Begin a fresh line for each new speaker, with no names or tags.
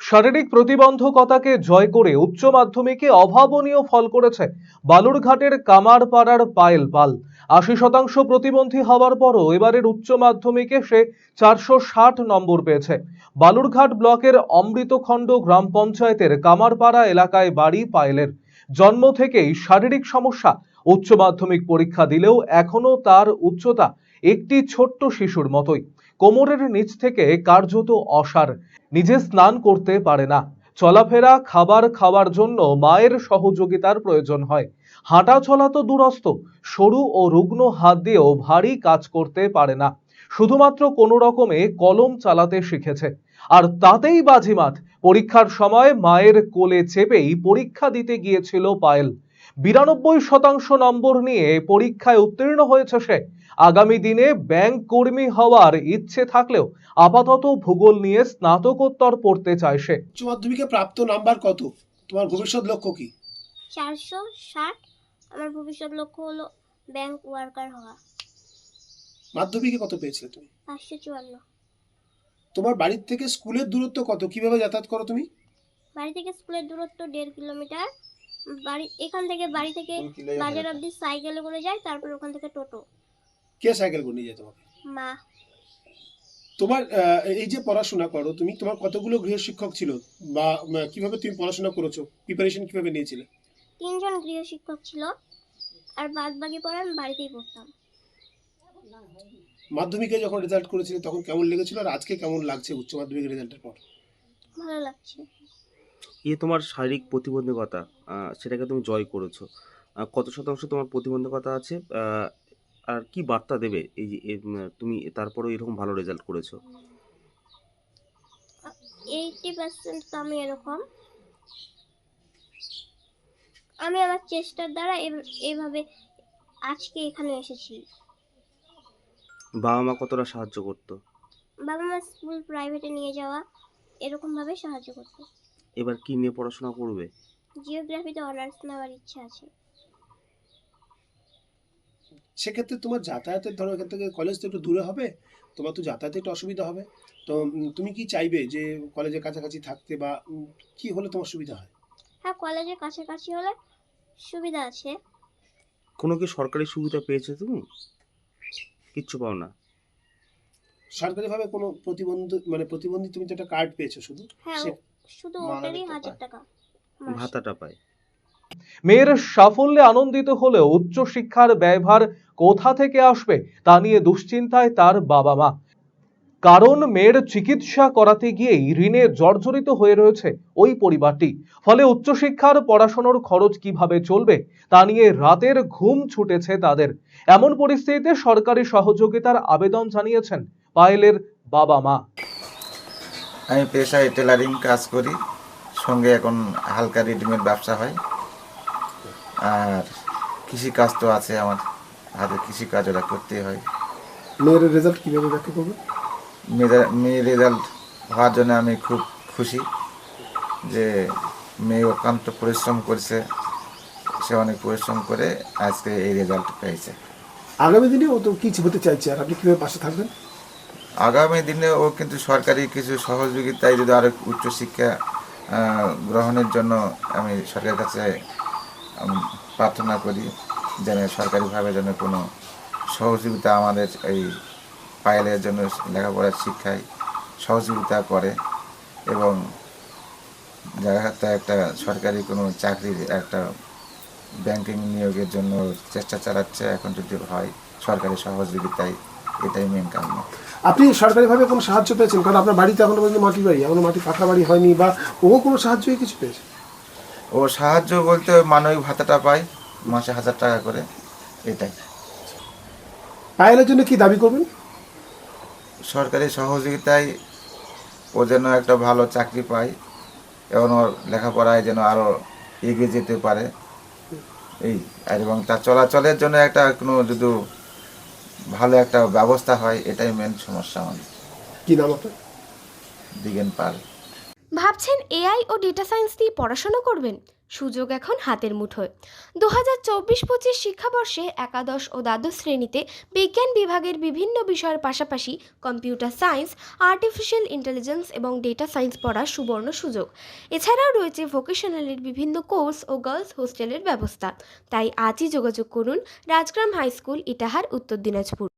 শারীরিক প্রতিবন্ধকতাকে জয় করে উচ্চ মাধ্যমিকে অভাবনীয় ফল করেছে বালুরঘাটের কামারপাড়ার পায়েল পাল। ৮০% প্রতিবন্ধী হওয়ার পরও এবারের উচ্চ মাধ্যমিকে সে ৪৬০ নম্বর পেয়েছে। বালুরঘাট ব্লকের অমৃতখণ্ড গ্রাম পঞ্চায়েতের কামারপাড়া এলাকায় বাড়ি পায়েলের। জন্ম থেকেই শারীরিক সমস্যা। উচ্চ মাধ্যমিক পরীক্ষা দিলেও এখনো তার উচ্চতা একটি ছোট্ট শিশুর মতোই। কোমরের নিচ থেকে কার্যত অসাড়। নিজে স্নান করতে পারে না। চলাফেরা খাবার খাওয়ার জন্য মায়ের সহযোগিতার প্রয়োজন হয়। হাঁটা চলা তো দূরস্থ, সরু ও রুগ্ন হাত দিয়েও ভারী কাজ করতে পারে না। শুধুমাত্র কোনো রকমে কলম চালাতে শিখেছে। আর তাতেই বাজিমাত, পরীক্ষার সময় মায়ের কোলে চেপেই পরীক্ষা দিতে গিয়েছিল পায়েল। ৯২% নম্বর নিয়ে পরীক্ষায় উত্তীর্ণ হয়েছে সে। আগামী দিনে ব্যাংক কর্মী হওয়ার ইচ্ছে থাকলেও আপাতত ভূগোল নিয়ে স্নাতকোত্তর পড়তে চায় সে।
উচ্চ মাধ্যমিকে প্রাপ্ত নাম্বার কত? তোমার ভবিষ্যৎ লক্ষ্য কি?
460। আমার ভবিষ্যৎ লক্ষ্য হলো ব্যাংক ওয়ার্কার হওয়া।
মাধ্যমিকে কত পেয়েছিলে তুমি?
554।
তোমার বাড়ি থেকে স্কুলের দূরত্ব কত? কিভাবে যাতায়াত করো তুমি?
বাড়ি থেকে স্কুলের দূরত্ব 1.5 কিলোমিটার। এখান থেকে বাড়ি থেকে বাজার অবধি সাইকেলে করে যাই, তারপর ওখান থেকে টোটো।
কে সাইকেল করে নিয়ে যায় তোমাকে?
মা।
তোমার এই যে পড়াশোনা করো তুমি, তোমার কতগুলো গৃহশিক্ষক ছিল বা কিভাবে তুমি পড়াশোনা করেছো? প্রিপারেশন কিভাবে নিয়েছিলে?
3 জন গৃহশিক্ষক ছিল, আর বাদ বাকি পড়া আমি বাড়িতেই পড়তাম।
মাধ্যমিকে যখন রেজাল্ট করেছিলে তখন কেমন লেগেছিল, আর আজকে কেমন লাগছে উচ্চ মাধ্যমিক রেজাল্টের পর?
ভালো লাগছে।
তোমার শারীরিক প্রতিবন্ধকতা, সেটাকে তুমি জয় করেছো। কত শতাংশ তোমার প্রতিবন্ধকতা আছে, আর কি বার্তা দেবে এই যে তুমি তারপরেও এরকম ভালো রেজাল্ট করেছো?
80% তো আমি এরকম। আমি আমার চেষ্টার দ্বারা এইভাবে আজকে এখানে এসেছি।
বাবা মা কতটা সাহায্য করতো?
বাবা মা স্কুল প্রাইভেটে নিয়ে যাওয়া, এরকম ভাবে সাহায্য করতো।
এবার কি নিয়ে পড়াশোনা করবে?
জিওগ্রাফিতে অনার্স নেওয়ার ইচ্ছা আছে।
সেক্ষেত্রে তোমার যাতায়াতের ধরো এখান থেকে কলেজ তো একটু দূরে হবে, তোমার তো যাতায়াতে একটু অসুবিধা হবে। তো তুমি কি চাইবে যে কলেজের কাছাকাছি থাকতে, বা কি হলে তোমার সুবিধা হয়?
হ্যাঁ, কলেজের কাছাকাছি হলে সুবিধা আছে।
কোনো কি সরকারি সুবিধা পেয়েছো তুমি? কিচ্ছু পাও না?
সরকারিভাবে কোনো প্রতিবন্ধী তুমি তো একটা কার্ড পেয়েছো শুধু?
হ্যাঁ, শুধু ওটারই 1000 টাকা মাসে।
ভাতাটা পায়।
মেয়ের সাফল্যে আনন্দিত হলেও উচ্চশিক্ষার ব্যয়ভার কোথা থেকে আসবে তা নিয়ে দুশ্চিন্তায় তার বাবা মা। কারণ মেয়ের চিকিৎসা করাতে গিয়েই ঋণে জর্জরিত হয়ে রয়েছে ওই পরিবারটি। ফলে উচ্চশিক্ষার পড়াশোনার খরচ কিভাবে চলবে তা নিয়ে রাতের ঘুম ছুটেছে তাদের। এমন পরিস্থিতিতে সরকারি সহযোগিতার আবেদন জানিয়েছেন পায়েলের বাবা মা।
আমি পেশায় টেলারিং কাজ করি, সঙ্গে এখন হালকা রেডিমেড ব্যবসা হয়। আর কৃষিকাজ তো আছে, আমার হাতে কৃষিকাজ ওরা করতেই হয়।
মেয়ের রেজাল্ট কীভাবে ব্যাখ্যা করবে?
মেয়ের রেজাল্ট হওয়ার জন্য আমি খুব খুশি যে মেয়ে অত্যন্ত পরিশ্রম করেছে, সে অনেক পরিশ্রম করে আজকে এই রেজাল্ট পেয়েছে।
আগামী দিনে ও তো কিছু হতে চাইছে, আর আপনি কীভাবে পাশে থাকবেন?
আগামী দিনে ও কিন্তু সরকারি কিছু সহযোগিতায় যদি আরও উচ্চশিক্ষা গ্রহণের জন্য আমি সরকারের কাছে প্রার্থনা করি, যেন সরকারিভাবে যেন কোনো সহযোগিতা আমাদের এই পায়েলের জন্য লেখাপড়ার শিক্ষায় সহযোগিতা করে, এবং জায়গাতে একটা সরকারি কোনো চাকরির একটা ব্যাংকিং নিয়োগের জন্য চেষ্টা চালাচ্ছে। এখন যদি হয় সরকারি সহযোগিতায়, এটাই মেন কারণ।
আপনি সরকারিভাবে কোনো সাহায্য পেয়েছেন? কারণ আপনার বাড়িতে এখনো পর্যন্ত মাটির বাড়ি, এখনো মাটি পাকা বাড়ি হয়নি, বা ও কোনো সাহায্যই কিছু পেয়েছে?
ও সাহায্য বলতে মানবিক ভাতাটা পায় মাসে 1000 টাকা করে, এটাই।
পায়েলের জন্য কি দাবি করবেন?
সরকারি সহযোগিতায় ও যেন একটা ভালো চাকরি পায়, এবং ওর লেখাপড়ায় যেন আরও এগিয়ে যেতে পারে এই, এবং তার চলাচলের জন্য একটা কোনো যদি ভালো একটা ব্যবস্থা হয়, এটাই মেন সমস্যা আমাদের।
কি নাম আপনার?
দিগেন পাল।
ভাবছেন এআই ও ডেটা সায়েন্স নিয়ে পড়াশোনা করবেন? সুযোগ এখন হাতের মুঠোয়। 2024-25 শিক্ষাবর্ষে একাদশ ও দ্বাদশ শ্রেণীতে বিজ্ঞান বিভাগের বিভিন্ন বিষয়ের পাশাপাশি কম্পিউটার সায়েন্স, আর্টিফিশিয়াল ইন্টেলিজেন্স এবং ডেটা সায়েন্স পড়ার সুবর্ণ সুযোগ। এছাড়াও রয়েছে ভোকেশনালের বিভিন্ন কোর্স ও গার্লস হোস্টেলের ব্যবস্থা। তাই আজই যোগাযোগ করুন রাজগ্রাম হাই স্কুল, ইটাহার, উত্তর দিনাজপুর।